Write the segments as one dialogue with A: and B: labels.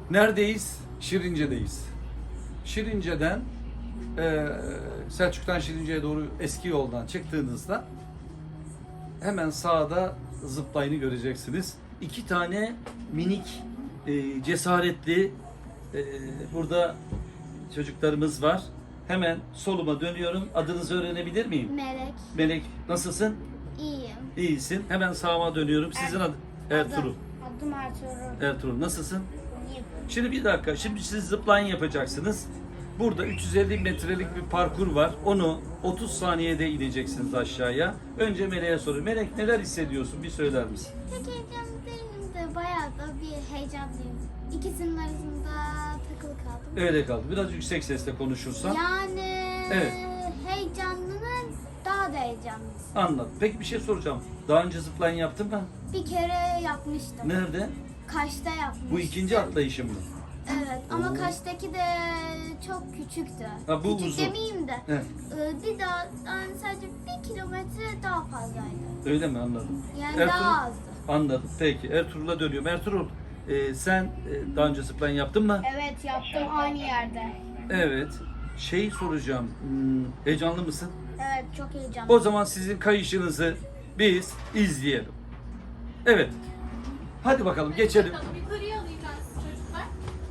A: Neredeyiz? Şirince'deyiz. Şirince'den Selçuk'tan Şirince'ye doğru eski yoldan çıktığınızda hemen sağda zıplayını göreceksiniz. 2 tane minik cesaretli burada çocuklarımız var. Hemen soluma dönüyorum. Adınızı öğrenebilir miyim?
B: Melek.
A: Melek, nasılsın?
B: İyiyim.
A: İyisin. Hemen sağıma dönüyorum. Sizin adı Ertuğrul.
B: Adım Ertuğrul.
A: Ertuğrul, nasılsın?
B: İyiyim.
A: Şimdi bir dakika. Şimdi siz zipline yapacaksınız. Burada 350 metrelik bir parkur var. Onu 30 saniyede ineceksiniz aşağıya. Önce Melek'e soruyorum. Melek, neler hissediyorsun? Bir söyler misin?
B: Pek heyecanlı değilim de bayağı da bir heyecanlıyım. İkisinin arasında takılı kaldım.
A: Öyle kaldı. Biraz yüksek sesle konuşursan.
B: Yani
A: Evet.
B: heyecanlının daha da heyecanlısı.
A: Anladım. Peki bir şey soracağım. Daha önce zipline yaptın mı?
B: Bir kere yapmıştım.
A: Nerede?
B: Kaş'ta yapmıştım.
A: Bu ikinci atlayışın mı?
B: Evet ama
A: Oo.
B: Kaş'taki de çok küçüktü.
A: Ha, bu
B: Küçük
A: uzun.
B: demeyeyim de.
A: Evet.
B: Bir daha yani sadece 1 kilometre daha fazlaydı.
A: Öyle mi? Anladım.
B: Yani daha azdı.
A: Anladım. Peki. Ertuğrul'a dönüyorum. Ertuğrul, sen daha önce zipline yaptın mı?
B: Evet yaptım aynı yerde.
A: Evet. Şey soracağım. Heyecanlı mısın?
B: Evet çok heyecanlı.
A: O zaman sizin kayışınızı biz izleyelim. Evet. Hadi bakalım geçelim.
C: Yukarıya alayım ben sizi çocuklar.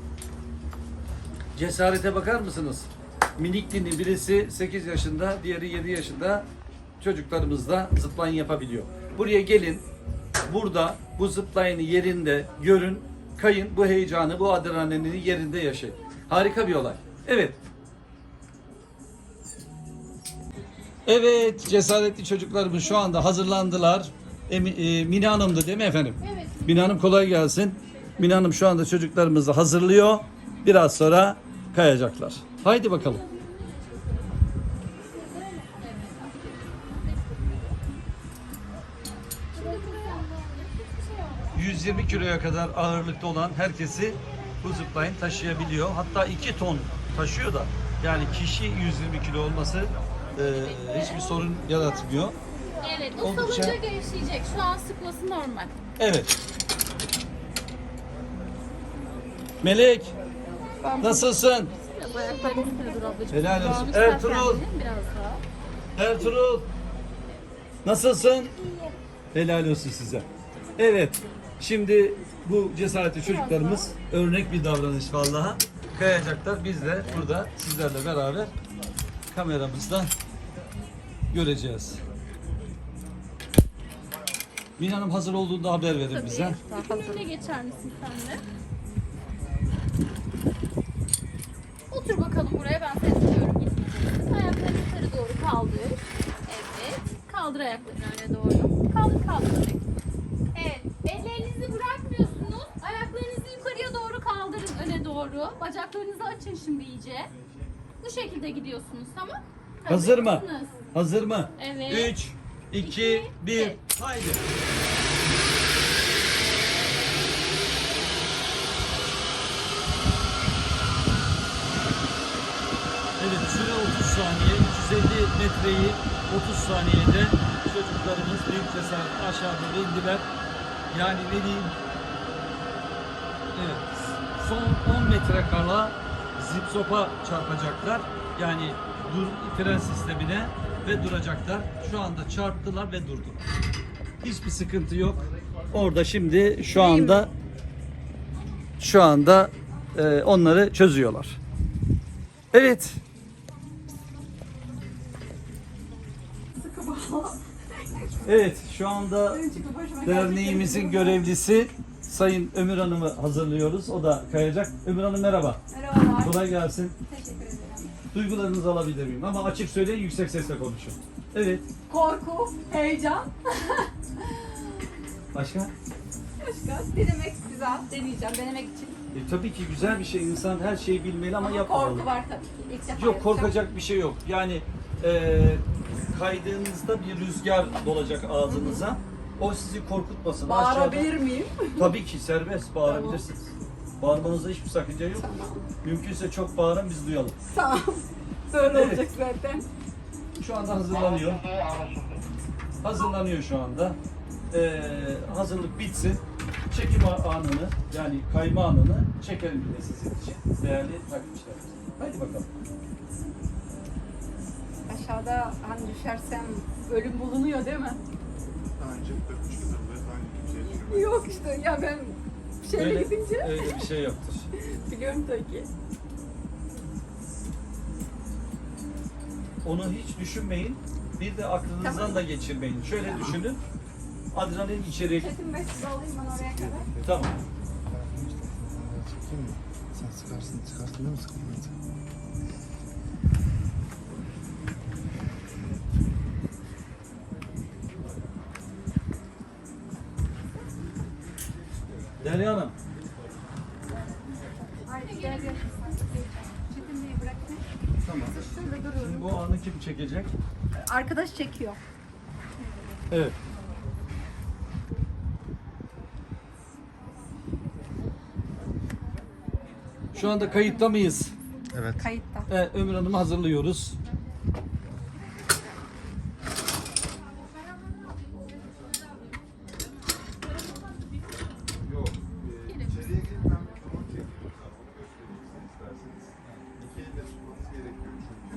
A: Cesarete bakar mısınız? Minikliğinin birisi 8 yaşında, diğeri 7 yaşında çocuklarımız da zipline yapabiliyor. Buraya gelin. Burada bu zipline'ı yerinde görün, kayın, bu heyecanı, bu adrenalini yerinde yaşayın. Harika bir olay. Evet. Evet, cesaretli çocuklarımız şu anda hazırlandılar. Mine Hanım'dı değil mi efendim?
C: Evet.
A: Mine Hanım kolay gelsin. Mine Hanım şu anda çocuklarımızı hazırlıyor. Biraz sonra kayacaklar. Haydi bakalım. ...120 kiloya kadar ağırlıkta olan herkesi bu zipline taşıyabiliyor. Hatta 2 ton taşıyor da. Yani kişi 120 kilo olması hiçbir sorun yaratmıyor.
C: Evet, o
A: Oldukça-
C: salınca gevşeyecek. Şu an sıkması normal.
A: Evet. Melek, nasılsın?
C: Biraz ayaklarını üstüne dur ablacığım.
A: Helal olsun.
C: Mavi
A: Ertuğrul.
C: sertlendirin biraz daha.
A: Ertuğrul, nasılsın? Helal olsun size. Evet, şimdi bu cesaretli çocuklarımız örnek bir davranış vallahi. Kayacaklar. Biz de burada sizlerle beraber kameramızda göreceğiz. Mine Hanım hazır olduğunda haber verin bize.
C: Önüne geçer misin sen de? Otur bakalım buraya, ben seçiyorum. Ayaklarını yukarı doğru kaldır. Evet. Kaldır ayaklarını öne doğru. Kaldır kaldır. Evet. Ellerinizi bırakmıyorsunuz. Ayaklarınızı yukarıya doğru kaldırın öne doğru. Bacaklarınızı açın şimdi iyice. Bu şekilde gidiyorsunuz, tamam?
A: Hazır mı?
C: mısınız?
A: Hazır mı?
C: Evet.
A: 3, 2, 1, haydi. Evet, süre 30 saniye, 350 metreyi 30 saniyede çocuklarımız büyük cesaretle aşağı doğru indiler. Yani ne diyeyim? Evet, son 10 metre kala zipsopa çarpacaklar. Yani fren sistemine ve duracaklar. Şu anda çarptılar ve durdular. Hiçbir sıkıntı yok. Orada şimdi şu anda onları çözüyorlar. Evet. Evet, şu anda derneğimizin görevlisi Sayın Ömür Hanım'ı hazırlıyoruz. O da kayacak. Ömür Hanım merhaba.
D: Merhabalar.
A: Kolay gelsin.
D: Teşekkür ederim.
A: Duygularınızı alabilir miyim? Ama açık söyleyin, yüksek sesle konuşun. Evet.
D: Korku, heyecan.
A: Başka?
D: Başka? Denemek güzel. Deneyeceğim denemek için.
A: Tabii ki güzel bir şey. İnsan her şeyi bilmeli ama yapmamalı.
D: Korku var tabii ki. İlk defa
A: Yok,
D: yapacağım.
A: korkacak bir şey yok. Yani kaydığınızda bir rüzgar dolacak ağzınıza. O sizi korkutmasın.
D: Bağırabilir miyim?
A: Tabii ki serbest bağırabilirsiniz. Bağırmanızda hiçbir sakınca yok. Mümkünse çok bağırın, biz duyalım.
D: Tamam. Böyle
A: Evet.
D: olacak zaten.
A: Şu anda hazırlanıyor. Hazırlanıyor şu anda. Hazırlık bitsin. çekim anını yani kayma anını çekelim bir de sizin için değerli takipçilerimiz. Haydi bakalım.
D: Aşağıda hani düşersem ölüm bulunuyor değil mi?
E: Daha önce 43 yıldır aynı kimseye düşürmedim.
D: Yok işte ya ben şeyle gidince
A: Öyle bir şey yoktur.
D: biliyorum tabii ki.
A: Onu hiç düşünmeyin. Bir de aklınızdan
D: Tamam.
A: da geçirmeyin. Şöyle düşünün. Adrenalin içeri.
D: Çetin Bey sizi alayım ben oraya kadar.
A: Tamam.
E: Çekeyim mi? Sen çıkarsın değil mi sıkılmaz?
A: Derya Hanım.
D: Haydi gel gel. Çetin Bey'i bırakın.
A: Tamam.
D: Şurada duruyorum.
A: Şimdi bu anı kim çekecek?
D: Arkadaş çekiyor.
A: Evet. Şu anda kayıtta mıyız?
E: Evet.
D: Kayıtta.
A: Evet, Ömür Hanım'ı hazırlıyoruz.
E: Yok. İçeriye girip ben mikrofon çekiyorum. Onu göstereyim size isterseniz. İki elle tutmanız gerekiyor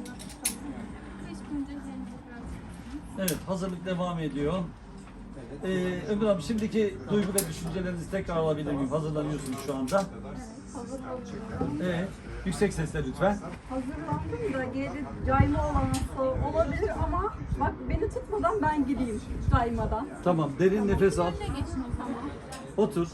E: çünkü.
A: Evet, hazırlık devam ediyor. Ömür Hanım, şimdiki duygu ve düşüncelerinizi tekrar alabilir miyim? Hazırlanıyorsunuz şu anda. Evet, yüksek sesle lütfen.
D: Hazırlandım da geri cayma olanı olabilir ama bak beni tutmadan ben gideyim caymadan.
A: Tamam, derin nefes al.
C: Önüne geçin o zaman.
A: Otur.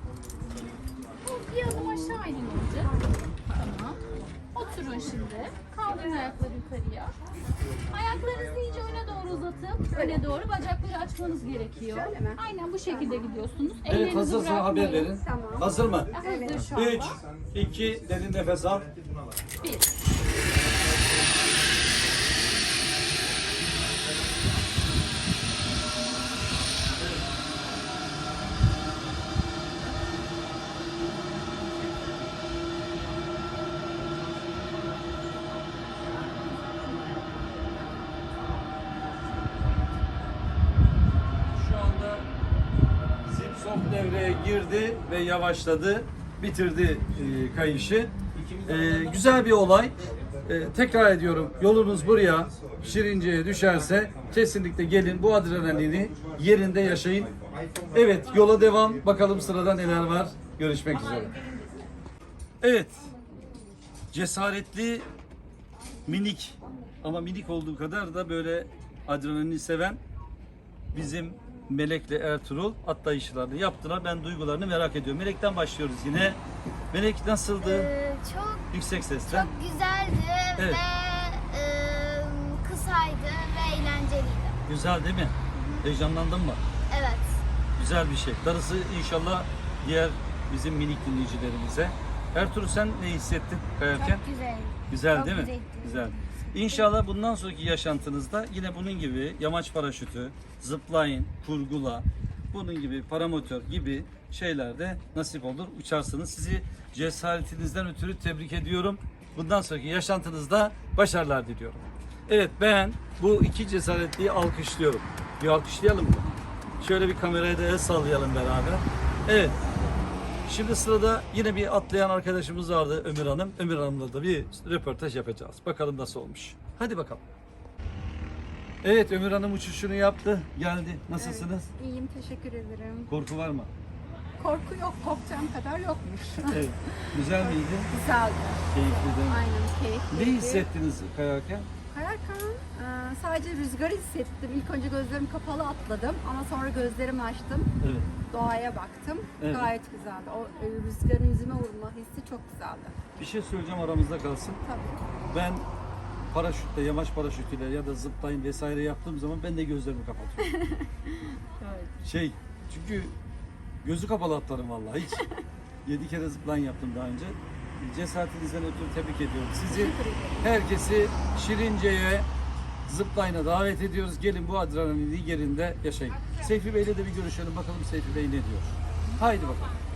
C: Bir adım aşağı inin önce. Tamam. Oturun şimdi. Kaldırın ayakları yukarıya. Ayaklarınızı iyice öne doğru uzatın. Öne doğru bacakları açmanız gerekiyor.
D: Şöyle mi?
C: Aynen bu şekilde gidiyorsunuz.
A: Evet,
C: Ellerinizi
A: hazırsa haber
C: bırakmayın.
A: verin.
D: Tamam.
A: Hazır mı?
C: Hazır şu anda.
A: 3, 2, derin nefes al.
C: 1.
A: Şu anda Zipsop devreye girdi ve yavaşladı. Bitirdi kayışı. Güzel bir olay. Tekrar ediyorum. Yolunuz buraya Şirince'ye düşerse kesinlikle gelin bu adrenalini yerinde yaşayın. Evet, yola devam. Bakalım sırada neler var. Görüşmek üzere. Evet. Cesaretli, minik ama minik olduğu kadar da böyle adrenalini seven bizim Melek'le Ertuğrul atlayışlarını yaptılar. Ben duygularını merak ediyorum. Melek'ten başlıyoruz yine. Melek nasıldı?
B: Çok
A: Yüksek sesle.
B: çok güzeldi
A: Evet.
B: ve kısaydı ve eğlenceliydi.
A: Güzel değil mi? Heyecanlandın mı?
B: Evet.
A: Güzel bir şey. Darısı inşallah diğer bizim minik dinleyicilerimize. Ertuğrul sen ne hissettin kayarken?
B: Çok güzeldi.
A: Güzel
B: Çok
A: değil mi?
B: güzeldi.
A: Güzel. İnşallah bundan sonraki yaşantınızda yine bunun gibi yamaç paraşütü, zipline, kurgula, bunun gibi paramotor gibi şeylerde nasip olur. Uçarsınız. Sizi cesaretinizden ötürü tebrik ediyorum. Bundan sonraki yaşantınızda başarılar diliyorum. Evet, ben bu iki cesaretliyi alkışlıyorum. Bir alkışlayalım mı? Şöyle bir kameraya da el sallayalım beraber. Evet. Şimdi sırada yine bir atlayan arkadaşımız vardı, Ömür Hanım. Ömür Hanım'la da bir röportaj yapacağız. Bakalım nasıl olmuş. Hadi bakalım. Evet, Ömür Hanım uçuşunu yaptı. Geldi. Nasılsınız?
D: İyiyim teşekkür ederim.
A: Korku var mı?
D: Korku yok korkacağım kadar yokmuş.
A: Evet. Güzel miydi?
D: Güzeldi.
A: Keyifli değil mi?
D: Aynen keyifli.
A: Ne hissettiniz kayarken?
D: Kayarken sadece rüzgarı hissettim. İlk önce gözlerim kapalı atladım ama sonra gözlerimi açtım.
A: Evet.
D: Doğaya baktım.
A: Evet.
D: Gayet güzeldi. O rüzgarın yüzüme vurma hissi çok güzeldi.
A: Bir şey söyleyeceğim, aramızda kalsın.
D: Tabii.
A: Ben paraşütle, yamaç paraşütüyle ya da zipline vesaire yaptığım zaman ben de gözlerimi kapatıyorum.
D: Evet.
A: Çünkü gözü kapalı atlarım vallahi hiç. 7 kere zipline yaptım daha önce. Cesaretinizden ötürü tebrik ediyorum. Sizi, herkesi Şirince'ye, zipline'a davet ediyoruz. Gelin bu adrenalini yerinde yaşayın. Seyfi Bey'le de bir görüşelim. Bakalım Seyfi Bey ne diyor. Haydi bakalım.